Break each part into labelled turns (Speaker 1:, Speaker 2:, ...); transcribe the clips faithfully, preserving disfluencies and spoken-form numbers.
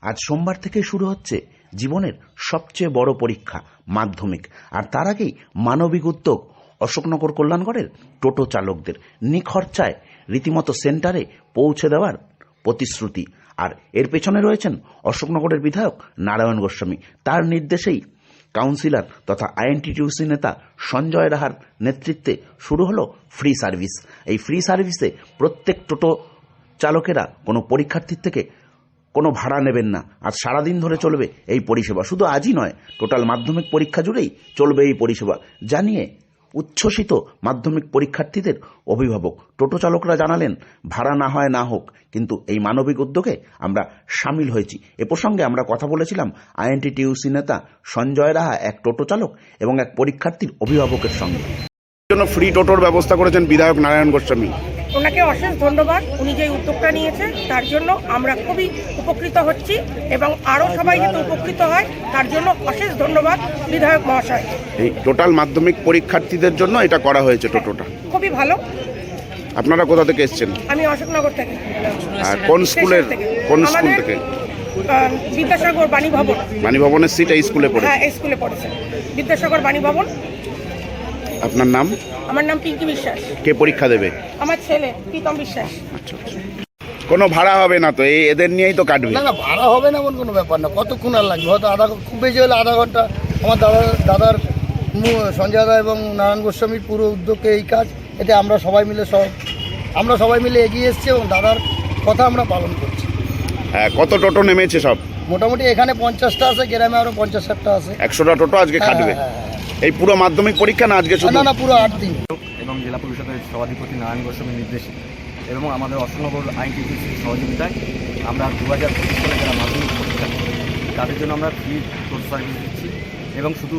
Speaker 1: আজ সোমবার থেকে শুরু হচ্ছে জীবনের সবচেয়ে বড় পরীক্ষা মাধ্যমিক। আর তার আগেই মানবিক উদ্যোগ অশোকনগর কল্যাণগড়ের টোটো চালকদের নিখরচায় রীতিমতো সেন্টারে পৌঁছে দেওয়ার প্রতিশ্রুতি। আর এর পেছনে রয়েছেন অশোকনগরের বিধায়ক নারায়ণ গোস্বামী। তার নির্দেশেই কাউন্সিলর তথা আইএনটিটিউসি নেতা সঞ্জয় রাহার নেতৃত্বে শুরু হলো ফ্রি সার্ভিস। এই ফ্রি সার্ভিসে প্রত্যেক টোটো চালকেরা কোনো পরীক্ষার্থীর থেকে কোনো ভাড়া নেবেন না। আর সারাদিন ধরে চলবে এই পরিষেবা। শুধু আজই নয়, টোটাল মাধ্যমিক পরীক্ষা জুড়েই চলবে এই পরিষেবা জানিয়ে উচ্ছ্বসিত মাধ্যমিক পরীক্ষার্থীদের অভিভাবক। টোটো চালকরা জানালেন, ভাড়া না হয় না হোক, কিন্তু এই মানবিক উদ্যোগে আমরা সামিল হয়েছি। এ প্রসঙ্গে আমরা কথা বলেছিলাম আইএনটিটিউসি নেতা সঞ্জয় রাহা, এক টোটো চালক এবং এক পরীক্ষার্থীর অভিভাবকের সঙ্গে।
Speaker 2: জন্য ফ্রি টোটোর ব্যবস্থা করেছেন বিধায়ক নারায়ণ গোস্বামী।
Speaker 3: ওনাকে অশেষ ধন্যবাদ। উনি যে উদ্যোগটা নিয়েছে তার জন্য আমরা খুবই উপকৃত হচ্ছি এবং আরও সবাই যাতে উপকৃত হয় তার জন্য অশেষ ধন্যবাদ বিধায়ক মহাশয়।
Speaker 2: এই টোটাল মাধ্যমিক পরীক্ষার্থীদের জন্য এটা করা হয়েছে টোটোটা।
Speaker 3: খুবই ভালো।
Speaker 2: আপনারা কোথা থেকে এসেছেন?
Speaker 3: আমি অশোকনগর থেকে।
Speaker 2: আর কোন স্কুলের কোন স্কুল থেকে?
Speaker 3: বিদ্যাসাগর বাণী ভবন।
Speaker 2: বাণী ভবনের সিট এই স্কুলে পড়ে?
Speaker 3: হ্যাঁ, এই স্কুলে পড়েছে, বিদ্যাসাগর বাণী ভবন।
Speaker 2: আপনার নাম?
Speaker 3: আমার নাম পিঙ্কি বিশ্বাস।
Speaker 2: কে পরীক্ষা দেবে?
Speaker 3: আমার ছেলে প্রীতম বিশ্বাস।
Speaker 2: আচ্ছা আচ্ছা। কোনো ভাড়া হবে না তো? এই এদের নিয়েই তো কাটবে?
Speaker 4: না না, ভাড়া হবে না এমন কোনো ব্যাপার না। কতক্ষণ আর লাগবে? হয়তো আধা, খুব বেশি হলে আধা ঘন্টা। আমার দাদা দাদার সঞ্জয় দা এবং নারায়ণ গোস্বামীর পুরো উদ্যোগে এই কাজ, এতে আমরা সবাই মিলে সব আমরা সবাই মিলে এগিয়ে এসেছি এবং দাদার কথা আমরা পালন করছি।
Speaker 2: হ্যাঁ, কত টোটো নেমেছে সব?
Speaker 4: মোটামুটি এখানে পঞ্চাশটা আছে, গ্রামে আরও পঞ্চাশ ষাটটা আছে।
Speaker 2: একশোটা টোটো আজকে কাটবে। এই পুরো মাধ্যমিক পরীক্ষা না আজকে শুধু?
Speaker 4: না না, পুরো আট দিন।
Speaker 5: এবং জেলা পরিষদের সভাধিপতি নারায়ণ গোস্বামীর নির্দেশে এবং আমাদের অশোকনগর আইনটিটিউসির সহযোগিতায় আমরা দু হাজার পঁচিশ সালে যারা মাধ্যমিক পরীক্ষা তাদের জন্য আমরা ফ্রি টোটো সার্ভিস দিচ্ছি। এবং শুধু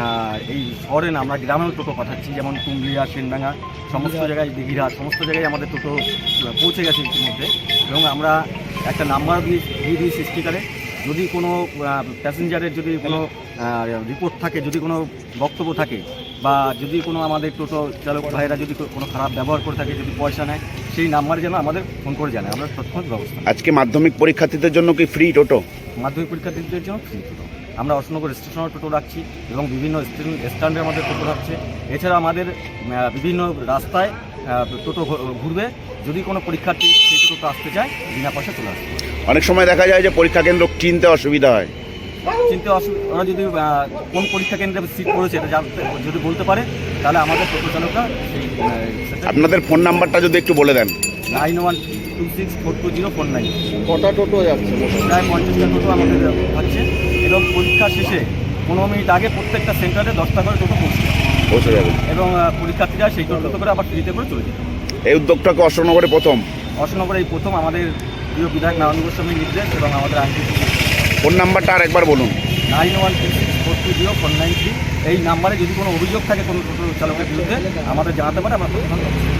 Speaker 5: এই শহরে না, আমরা গ্রামেও টোটো পাঠাচ্ছি, যেমন কুমলিয়া, সেনডাঙ্গা, সমস্ত জায়গায়, দিঘিরা, সমস্ত জায়গায় আমাদের টোটো পৌঁছে গেছে ইতিমধ্যে। এবং আমরা একটা নাম্বার দিয়ে দিয়ে দিয়েছি স্টিকারে। যদি কোনো প্যাসেঞ্জারের যদি কোনো রিপোর্ট থাকে, যদি কোনো বক্তব্য থাকে, বা যদি কোনো আমাদের টোটো চালক ভাইয়েরা যদি কোনো খারাপ ব্যবহার করে থাকে, যদি পয়সা নেয়, সেই নাম্বারে যেন আমাদের ফোন করে জানায়, আমরা তৎক্ষণাৎ ব্যবস্থা।
Speaker 2: আজকে মাধ্যমিক পরীক্ষার্থীদের জন্য কি ফ্রি টোটো?
Speaker 5: মাধ্যমিক পরীক্ষার্থীদের জন্য ফ্রি টোটো। আমরা অশোকনগর স্টেশনের টোটো রাখছি এবং বিভিন্ন স্ট্যান্ডে আমাদের টোটো রাখছে। এছাড়া আমাদের বিভিন্ন রাস্তায় টোটো ঘুরবে। যদি কোনো পরীক্ষার্থী সেই টোটো আসতে চায়, বিনা পয়সা চলে আসবে।
Speaker 2: অনেক সময় দেখা যায় যে পরীক্ষা কেন্দ্র চিনতে অসুবিধা হয়।
Speaker 5: চিনতে অসুবিধা, ওরা যদি কোন পরীক্ষা কেন্দ্রে সিট পড়েছে এটা জানতে যদি বলতে পারে, তাহলে আমাদের টোটো চালকরা সেই।
Speaker 2: আপনাদের ফোন নাম্বারটা যদি একটু বলে দেন।
Speaker 5: Nine one two six four two zero four nine.
Speaker 4: কটা টোটো যাচ্ছে?
Speaker 5: প্রায় পঞ্চাশটা টোটো আমাদের হচ্ছে। এবং পরীক্ষা শেষে পনেরো মিনিট আগে প্রত্যেকটা সেন্টারে দশটা করে টোটো পৌঁছে
Speaker 2: পৌঁছে যাবে এবং
Speaker 5: পরীক্ষার্থীরা সেই টোটো করে আবার ফ্রিতে করে চলে যেত।
Speaker 2: এই উদ্যোগটাকে অশোকনগরে প্রথম
Speaker 5: অশোকনগরে এই প্রথম আমাদের প্রিয় বিধায়ক নারায়ণ গোস্বামীর নির্দেশ এবং আমাদের আইন।
Speaker 2: ফোন নাম্বারটা আর একবার বলুন।
Speaker 5: Nine one two six four two zero four nine three. এই নাম্বারে যদি কোনো অভিযোগ থাকে কোনো টোটো চালকের বিরুদ্ধে আমাদের জানাতে পারে, আমরা